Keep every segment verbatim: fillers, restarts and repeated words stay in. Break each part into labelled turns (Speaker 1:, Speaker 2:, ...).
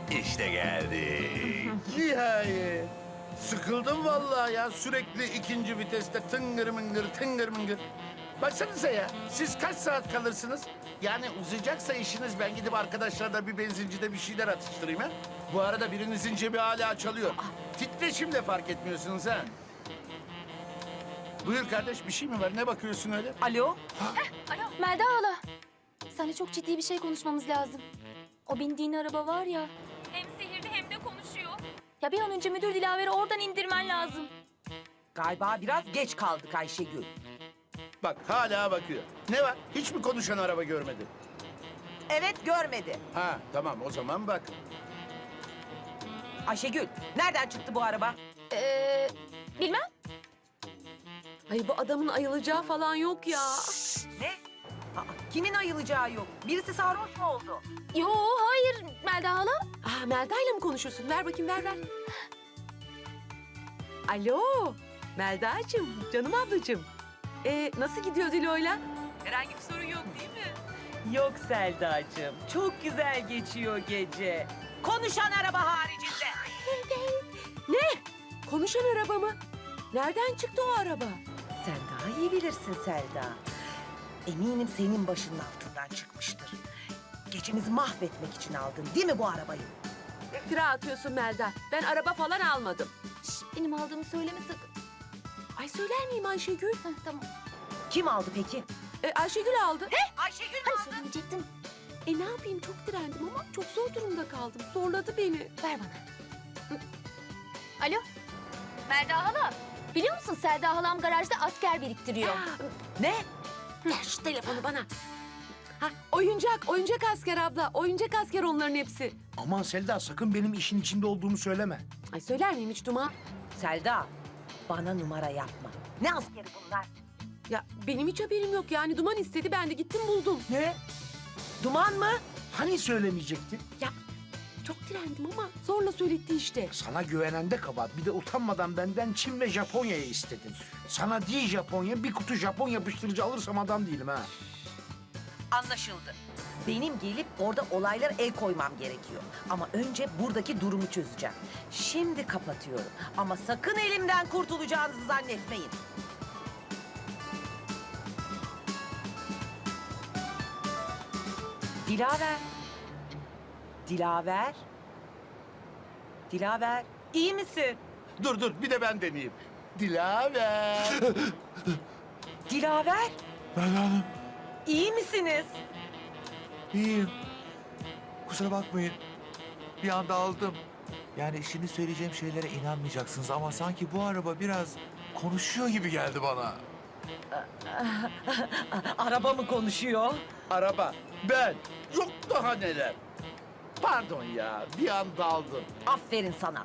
Speaker 1: İşte geldik.
Speaker 2: Nihayet. Sıkıldım vallahi ya. Sürekli ikinci viteste tıngır mıngır tıngır mıngır. Baksanıza ya. Siz kaç saat kalırsınız? Yani uzayacaksa işiniz ben gidip arkadaşlarla bir benzincide bir şeyler atıştırayım ha. Bu arada birinizin cebi hala çalıyor. Titreşimle fark etmiyorsunuz ha. Buyur kardeş, bir şey mi var? Ne bakıyorsun öyle?
Speaker 3: Alo?
Speaker 4: Alo Melda hala. Seninle çok ciddi bir şey konuşmamız lazım. O bindiğin araba var ya. Hem sihirli hem de konuşuyor. Ya bir an önce müdür Dilaver'i oradan indirmen lazım.
Speaker 3: Galiba biraz geç kaldık Ayşegül.
Speaker 2: Bak hala bakıyor. Ne var? Hiç mi konuşan araba görmedi?
Speaker 3: Evet, görmedi.
Speaker 2: Ha tamam, o zaman bak.
Speaker 3: Ayşegül, nereden çıktı bu araba?
Speaker 4: Ee, bilmem.
Speaker 5: Ay bu adamın ayılacağı falan yok ya.
Speaker 3: Ne? Aa, kimin ayılacağı yok? Birisi sarhoş mu oldu?
Speaker 4: Yo hayır Melda hala.
Speaker 5: Aa, Melda'yla mı konuşuyorsun? Ver bakayım, ver ver. Alo, Melda'cığım, canım ablacığım. Ee, nasıl gidiyor Dilo'yla? Herhangi bir sorun yok değil mi?
Speaker 3: Yok Selda'cığım, çok güzel geçiyor gece. Konuşan araba haricinde.
Speaker 5: Ne? Konuşan araba mı? Nereden çıktı o araba?
Speaker 3: Sen daha iyi bilirsin Selda. Eminim senin başının altından çıkmıştır. Gecemizi mahvetmek için aldın değil mi bu arabayı?
Speaker 5: İftira atıyorsun Melda. Ben araba falan almadım.
Speaker 4: Şş, benim aldığımı söyleme sakın.
Speaker 5: Ay söyler miyim Ayşegül?
Speaker 4: Heh, tamam.
Speaker 3: Kim aldı peki?
Speaker 5: Ee, Ayşegül aldı.
Speaker 3: Ayşegül mü
Speaker 4: Hani
Speaker 3: aldı?
Speaker 4: söylemeyecektim.
Speaker 5: E ne yapayım, çok direndim ama çok zor durumda kaldım. Zorladı beni.
Speaker 4: Ver bana. Hı. Alo. Melda hala. Biliyor musun Selda halam garajda asker biriktiriyor.
Speaker 3: Ne?
Speaker 5: Ver şu telefonu bana. Ha, oyuncak, oyuncak asker abla. Oyuncak asker onların hepsi.
Speaker 6: Aman Selda, sakın benim işin içinde olduğumu söyleme.
Speaker 5: Ay söyler miyim hiç Duman?
Speaker 3: Selda, bana numara yapma. Ne askeri bunlar?
Speaker 5: Ya benim hiç haberim yok yani. Duman istedi, ben de gittim buldum.
Speaker 6: Ne?
Speaker 3: Duman mı?
Speaker 6: Hani söylemeyecektin?
Speaker 5: Ya çok direndim ama zorla söyletti işte.
Speaker 6: Sana güvenen de kabahat. Bir de utanmadan benden Çin ve Japonya'yı istedin. Sana değil Japonya, bir kutu Japon yapıştırıcı alırsam adam değilim ha.
Speaker 3: Anlaşıldı. Benim gelip orada olaylara el koymam gerekiyor. Ama önce buradaki durumu çözeceğim. Şimdi kapatıyorum. Ama sakın elimden kurtulacağınızı zannetmeyin. Dilaver. Dilaver. Dilaver. İyi misin?
Speaker 2: Dur dur, bir de ben deneyeyim. Dilaver.
Speaker 3: Dilaver.
Speaker 7: Melda Hanım,
Speaker 3: İyi misiniz?
Speaker 7: iyiyim. Kusura bakmayın. Bir anda aldım. Yani şimdi söyleyeceğim şeylere inanmayacaksınız ama sanki bu araba biraz konuşuyor gibi geldi bana.
Speaker 3: Araba mı konuşuyor?
Speaker 2: Araba, ben. Yok daha neler. Pardon ya, bir an daldım.
Speaker 3: Aferin sana.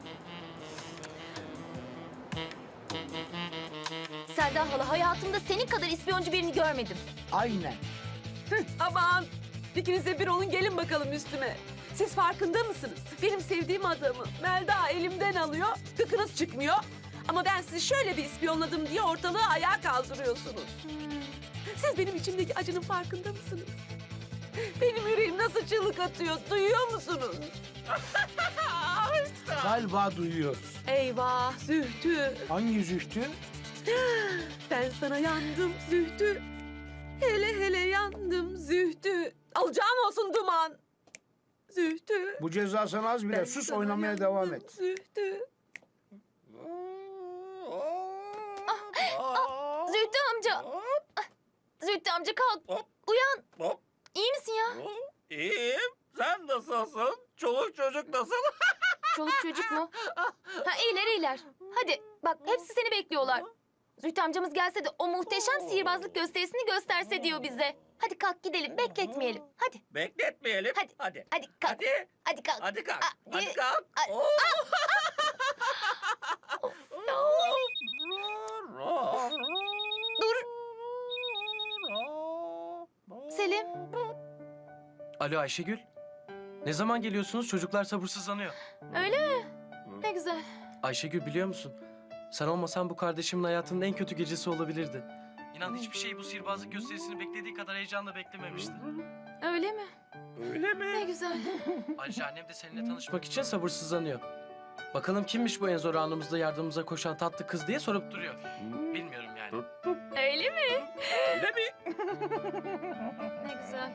Speaker 4: Selda hala hayatımda senin kadar ispiyoncu birini görmedim.
Speaker 6: Aynen.
Speaker 5: Aman ikiniz de bir olun, gelin bakalım üstüme. Siz farkında mısınız? Benim sevdiğim adamı Melda elimden alıyor, gıkınız çıkmıyor. Ama ben sizi şöyle bir ispiyonladım diye ortalığı ayağa kaldırıyorsunuz. Siz benim içimdeki acının farkında mısınız? Benim yüreğim nasıl çığlık atıyor, duyuyor musunuz?
Speaker 6: Galiba duyuyoruz.
Speaker 5: Eyvah Zühtü,
Speaker 6: Hangi zühtü?
Speaker 5: ben sana yandım Zühtü. Hele hele yandım Zühtü. Alacağın olsun Duman. Zühtü.
Speaker 6: Bu ceza sana az bile.
Speaker 5: ben
Speaker 6: Sus,
Speaker 5: sana
Speaker 6: oynamaya
Speaker 5: yandım
Speaker 6: devam et.
Speaker 5: Zühtü.
Speaker 4: Zühtü amca. Ah, Zühtü amca kalk. Uyan.
Speaker 1: Hop.
Speaker 4: İyi misin ya?
Speaker 1: İyiyim. Sen nasılsın? Çoluk çocuk nasıl?
Speaker 4: Çoluk çocuk mu? Ha iyiler iyiler. Hadi bak hepsi seni bekliyorlar. Zühtü amcamız gelse de o muhteşem sihirbazlık gösterisini gösterse diyor bize. Hadi kalk gidelim, bekletmeyelim. Hadi.
Speaker 1: Bekletmeyelim.
Speaker 4: Hadi.
Speaker 1: Hadi.
Speaker 4: Hadi kalk.
Speaker 1: Hadi.
Speaker 4: Hadi kalk.
Speaker 1: Hadi kalk.
Speaker 4: Hadi.
Speaker 1: Hadi kalk.
Speaker 4: Hadi.
Speaker 1: Oo.
Speaker 4: Dur. Selim.
Speaker 8: Alo Ayşegül. Ne zaman geliyorsunuz? Çocuklar sabırsızlanıyor.
Speaker 4: Öyle mi? Ne güzel.
Speaker 8: Ayşegül biliyor musun? Sen olmasan bu kardeşimin hayatının en kötü gecesi olabilirdi. İnan hiçbir şey bu sihirbazlık gösterisini beklediği kadar heyecanla beklememişti.
Speaker 4: Öyle mi?
Speaker 1: Öyle mi?
Speaker 4: Ne güzel.
Speaker 8: Ayrıca annem de seninle tanışmak için sabırsızlanıyor. Bakalım kimmiş bu en zor anımızda yardımımıza koşan tatlı kız diye sorup duruyor. Bilmiyorum yani.
Speaker 4: Öyle mi?
Speaker 1: Öyle mi?
Speaker 4: Ne güzel.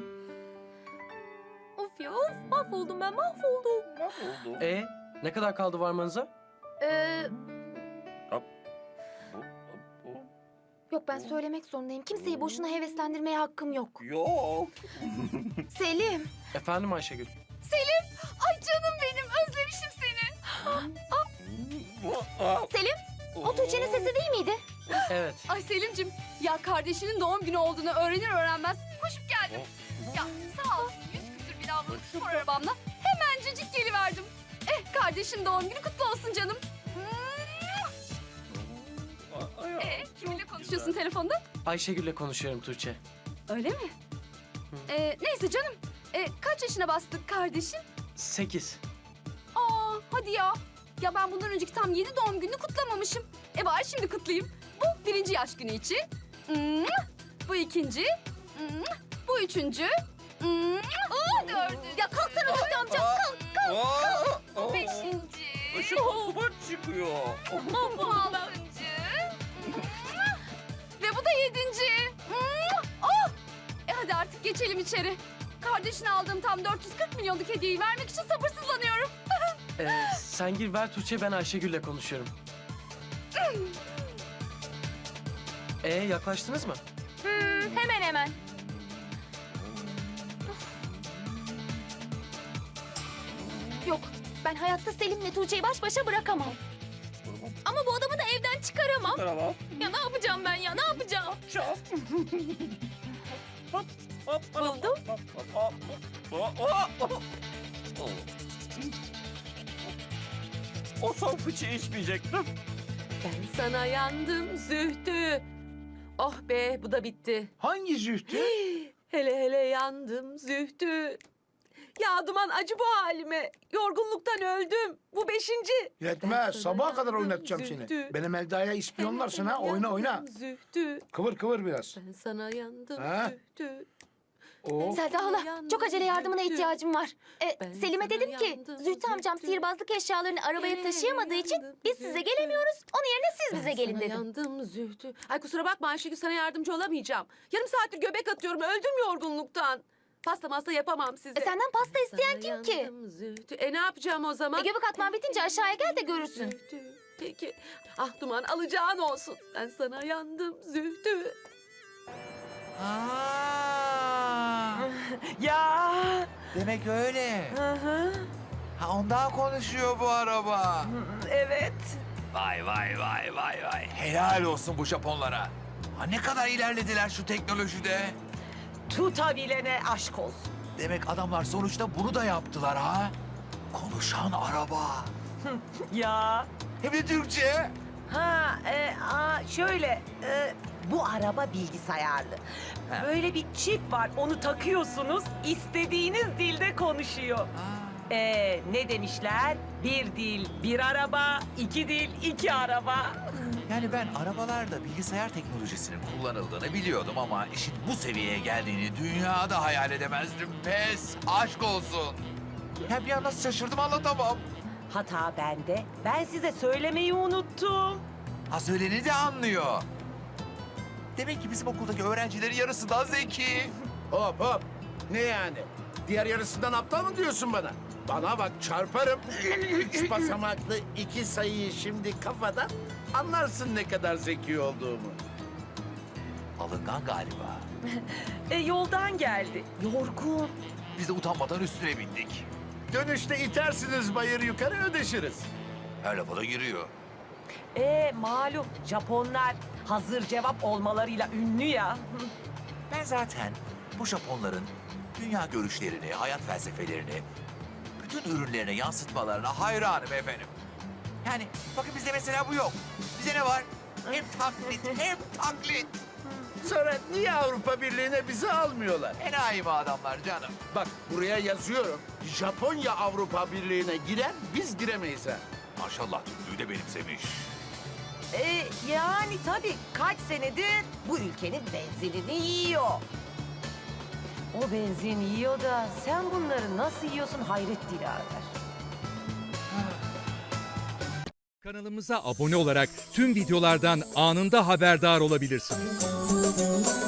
Speaker 4: Of ya of mahvoldum ben mahvoldum.
Speaker 1: Mahvoldum.
Speaker 8: E ne kadar kaldı varmanıza?
Speaker 4: Ee,
Speaker 1: Hop. Hop, hop.
Speaker 4: yok ben söylemek zorundayım. Kimseyi boşuna heveslendirmeye hakkım yok.
Speaker 1: Yok.
Speaker 4: Selim.
Speaker 8: Efendim Ayşegül.
Speaker 4: Selim. Ay canım benim özlemişim seni. Selim. O Tuğçe'nin sesi değil miydi?
Speaker 8: Evet.
Speaker 9: Ay Selim'cim ya kardeşinin doğum günü olduğunu öğrenir öğrenmez koşup geldim. Ya sağ ol yüz küsür bin avlılık spor arabamla hemencecik geliverdim. Eh kardeşin doğum günü kutlu olsun canım. Ee, kiminle konuşuyorsun telefonda?
Speaker 8: Ayşegül'le konuşuyorum Tuğçe.
Speaker 9: Öyle mi? Ee, neyse canım. Ee, kaç yaşına bastık kardeşin?
Speaker 8: Sekiz.
Speaker 9: Aa hadi ya. Ya ben bundan önceki tam yedi doğum gününü kutlamamışım. E bari şimdi kutlayayım. Bu birinci yaş günü için. Hmm, bu ikinci. Hmm, bu üçüncü. Hmm, bu dördüncü.
Speaker 4: Ya kalksana Zühtü amca. Kalk.
Speaker 1: Kalk.
Speaker 9: Bu beşinci.
Speaker 1: Işık duman çıkıyor.
Speaker 9: Bu, bu altıncı. Hmm, ve bu da yedinci. Hmm, oh! E hadi artık geçelim içeri. Kardeşine aldığım tam dört yüz kırk milyonluk hediyeyi vermek için sabırsızlanıyorum.
Speaker 8: Ee, sen gir ver Tuğçe, ben Ayşegül'le konuşuyorum. Ee yaklaştınız mı?
Speaker 4: Hmm, hemen hemen. Yok, ben hayatta Selim'le Tuğçe'yi baş başa bırakamam. Ama bu adamı da evden çıkaramam.
Speaker 1: Merhaba.
Speaker 4: Ya ne yapacağım ben ya, ne yapacağım?
Speaker 1: Çal. Hop, hop,
Speaker 4: Buldum.
Speaker 1: hop, hop, hop, hop, hop, hop. Oh. O son fıçı içmeyecektim.
Speaker 5: Ben sana yandım Zühtü. Oh be bu da bitti.
Speaker 6: Hangi Zühtü?
Speaker 5: Hele hele yandım Zühtü. Ya Duman acı bu halime. Yorgunluktan öldüm. Bu beşinci. Ben
Speaker 6: Yetmez.
Speaker 5: sana
Speaker 6: Sabaha kadar
Speaker 5: yandım
Speaker 6: oynatacağım
Speaker 5: Zühtü.
Speaker 6: seni. Benim Elda'ya ispiyonlarsın ha. Oyna oyna.
Speaker 5: Yandım Zühtü.
Speaker 6: Kıvır kıvır biraz.
Speaker 5: Ben sana yandım
Speaker 6: Ha?
Speaker 5: Zühtü.
Speaker 6: Oo.
Speaker 4: Selda hala, çok acele yardımına ihtiyacım var. E,
Speaker 5: Ben
Speaker 4: Selim'e
Speaker 5: sana
Speaker 4: dedim ki,
Speaker 5: yandım,
Speaker 4: Zühtü amcam
Speaker 5: Zühtü.
Speaker 4: sihirbazlık eşyalarını arabaya taşıyamadığı için
Speaker 5: yandım,
Speaker 4: biz size
Speaker 5: Zühtü.
Speaker 4: gelemiyoruz. Onun yerine siz bize
Speaker 5: Ben
Speaker 4: gelin
Speaker 5: sana
Speaker 4: dedim.
Speaker 5: yandım Zühtü. Ay kusura bakma Ayşegül, sana yardımcı olamayacağım. Yarım saattir göbek atıyorum, öldüm yorgunluktan. Pasta masta yapamam size.
Speaker 4: E, senden pasta isteyen
Speaker 5: Sana
Speaker 4: kim ki?
Speaker 5: yandım Zühtü. E ne yapacağım o zaman?
Speaker 4: E, göbek atman bitince aşağıya gel de görürsün.
Speaker 5: Zühtü. Peki. Ah Duman alacağın olsun. Ben sana yandım Zühtü.
Speaker 7: Ha,
Speaker 3: Ya.
Speaker 7: demek öyle.
Speaker 3: Hı hı.
Speaker 7: Ha ondan konuşuyor bu araba.
Speaker 3: Evet.
Speaker 7: Vay vay vay vay vay. Helal olsun bu Japonlara. Ha ne kadar ilerlediler şu teknolojide.
Speaker 3: Tutabilene aşk olsun.
Speaker 7: Demek adamlar sonuçta bunu da yaptılar ha. Konuşan araba.
Speaker 3: Ya.
Speaker 7: Hem de Türkçe.
Speaker 3: Ha, e, a, şöyle, e, bu araba bilgisayarlı. Böyle bir çip var, onu takıyorsunuz, istediğiniz dilde konuşuyor. E, ne demişler? Bir dil, bir araba, iki dil, iki araba.
Speaker 7: Yani ben arabalarda bilgisayar teknolojisinin kullanıldığını biliyordum ama işin bu seviyeye geldiğini dünyada hayal edemezdim. Pes, aşk olsun. Ya bir an nasıl şaşırdım anlatamam.
Speaker 3: Hata bende, ben size söylemeyi unuttum.
Speaker 7: Ha söyleni de anlıyor. Demek ki bizim okuldaki öğrencilerin yarısı daha zeki.
Speaker 2: Hop hop. Ne yani? Diğer yarısından aptal mı diyorsun bana? Bana bak çarparım. Üç basamaklı iki sayıyı şimdi kafadan anlarsın ne kadar zeki olduğumu.
Speaker 7: Alıngan galiba.
Speaker 3: E, yoldan geldi, yorgun.
Speaker 7: Biz de utanmadan üstüne bindik.
Speaker 2: Dönüşte itersiniz bayır yukarı ödeşiriz.
Speaker 7: Her lafa da giriyor.
Speaker 3: E, malum Japonlar hazır cevap olmalarıyla ünlü ya.
Speaker 7: Ben zaten bu Japonların dünya görüşlerini, hayat felsefelerini bütün ürünlerine yansıtmalarına hayranım efendim. Yani bakın bizde mesela bu yok. Bize ne var? Hem taklit, hem taklit.
Speaker 2: Sonra niye Avrupa Birliği'ne bizi almıyorlar?
Speaker 7: Enayi mi adamlar canım?
Speaker 2: Bak buraya yazıyorum. Japonya Avrupa Birliği'ne girer, biz giremeyiz ha.
Speaker 7: Maşallah Türklüğü de benimsemiş.
Speaker 3: E, yani tabii kaç senedir bu ülkenin benzinini yiyor. O benzin yiyor da sen bunları nasıl yiyorsun hayret Dilaver.
Speaker 10: Kanalımıza abone olarak tüm videolardan anında haberdar olabilirsiniz.